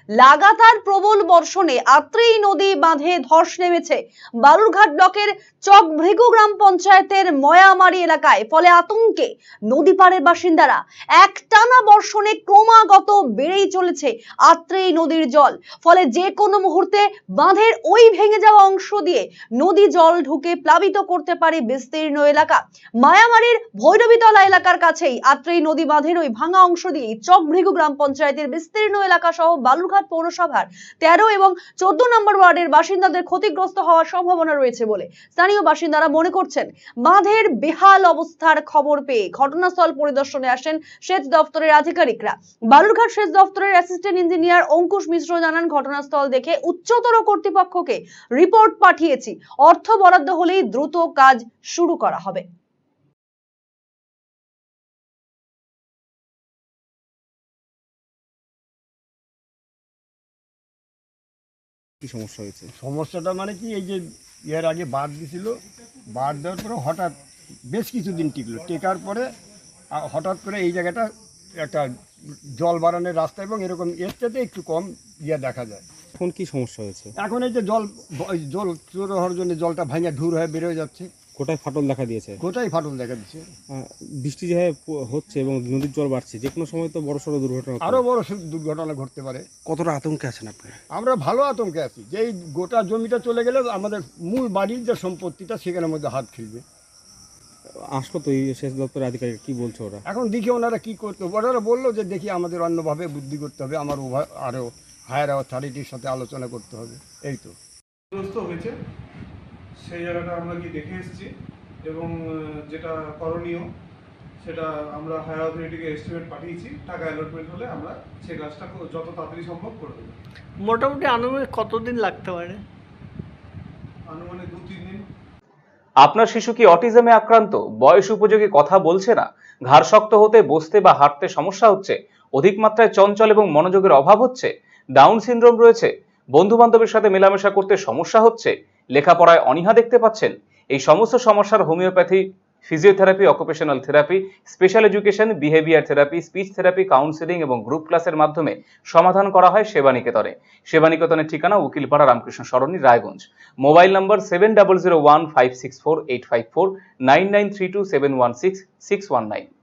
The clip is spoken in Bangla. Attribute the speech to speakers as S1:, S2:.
S1: লাগাতার প্রবল বর্ষণে আত্রেই নদী বাঁধে ধস নেমেছে বালুরঘাট ব্লকের চকভৃগু গ্রাম পঞ্চায়েতের ময়ামারি এলাকায়। ফলে আতঙ্কে নদী পাড়ের বাসিন্দারা। একটানা বর্ষণে ক্রমাগত বেড়েই চলেছে আত্রেই নদীর জল। ফলে যে কোনো মুহূর্তে বাঁধের ওই ভেঙে যাওয়া অংশ দিয়ে নদী জল ঢুকে প্লাবিত করতে পারে বিস্তীর্ণ এলাকা। মায়ামারির ভৈরবীতলা এলাকার কাছেই আত্রেই নদী বাঁধের ওই ভাঙা অংশ দিয়ে চকভৃগু গ্রাম পঞ্চায়েতের বিস্তীর্ণ এলাকা সহ বালুরঘাট পৌরসভার 13 এবং 14 নম্বর ওয়ার্ডের বাসিন্দাদের ক্ষতিগ্রস্ত হওয়ার সম্ভাবনা রয়েছে বলে স্থানীয় বাসিন্দারা মনে করছেন। বাঁধের বেহাল অবস্থার খবর পেয়ে ঘটনাস্থল পরিদর্শনে আসেন সেচ দপ্তরের আধিকারিকরা। বালুরঘাট সেচ দপ্তরের অ্যাসিস্ট্যান্ট ইঞ্জিনিয়ার অঙ্কুশ মিশ্র জানান, ঘটনাস্থল দেখে উচ্চতর কর্তৃপক্ষকে রিপোর্ট পাঠিয়েছি। অর্থ বরাদ্দ হলেই দ্রুত কাজ শুরু করা হবে।
S2: কি সমস্যা হয়েছে?
S3: সমস্যাটা মানে কি, এই যে এর আগে বাদ দিছিল, বাদ দেওয়ার পরে হঠাৎ বেশ কিছুদিন টিকলো, টেকার পরে হঠাৎ করে এই জায়গাটা একটা জল বাড়ানোর রাস্তা এবং এরকম এর চাইতে একটু কম দেখা যায়।
S2: এখন কি সমস্যা হয়েছে?
S3: এখন এই যে জল চোর হওয়ার জন্য জলটা ভাঙে ঢুর হয়ে বেরোয় যাচ্ছে,
S2: কোথায় ফাটল দেখা দিয়েছে?
S3: কোথায় ফাটল দেখা দিচ্ছে।
S2: বৃষ্টি যেভাবে হচ্ছে এবং নদীর জল বাড়ছে, যে কোনো সময় তো বড়সড় দুর্ঘটনা,
S3: আরও বড় দুর্ঘটনা ঘটতে পারে।
S2: কতটা আতঙ্কে আছেন আপনি?
S3: আমরা ভালো আতঙ্কে আছি যে এই গোটা জমিটা চলে গেলে আমাদের মূল বাড়ির যে সম্পত্তিটা সেখানের মধ্যে হাত খেলবে।
S2: আসলো তো এই সেচ দপ্তরের আধিকারিক, কি বলছে ওরা?
S3: এখন দেখি ওনারা কি করতে, ওনারা বললো যে দেখি আমাদের অন্যভাবে বুদ্ধি করতে হবে, আমার আরও হায়ার অথরিটির সাথে আলোচনা করতে হবে। এই তো
S4: হয়েছে সেই জায়গাটা আমরা কি দেখে এসেছি এবং যেটা করণীয় সেটা আমরা হায়ার অথরিটিকে এস্টিমেট পাঠিয়েছি। টাকা অ্যালটমেন্ট হলে আমরা সেই কাজটা যত তাড়াতাড়ি সম্ভব করে দেবো।
S5: মোটামুটি আনুমানিক কতদিন লাগতে পারে?
S4: আনুমানিক 2-3 দিন।
S6: আপনার শিশু কি অটিজমে আক্রান্ত? বয়স উপযোগী কথা বলছে না, ঘাড় শক্ত হতে, বসতে বা হাঁটতে সমস্যা হচ্ছে, অধিক মাত্রায় চঞ্চল এবং মনোযোগের অভাব হচ্ছে, ডাউন সিনড্রোম রয়েছে, বন্ধু বান্ধবের সাথে মেলামেশা করতে সমস্যা হচ্ছে, লেখাপড়ায় অনীহা দেখতে পাচ্ছেন? এই সমস্ত সমস্যার homeopathy, physiotherapy, occupational therapy, special education, behaviour therapy, speech therapy, counselling এবং গ্রুপ ক্লাসের মাধ্যমে সমাধান করা হয় সেবানিকেতনে। সেবানিকেতনের ঠিকানা উকিলপাড়া, রামকৃষ্ণ সরণি, রায়গঞ্জ। Mobile number 7001564854, 9932716619।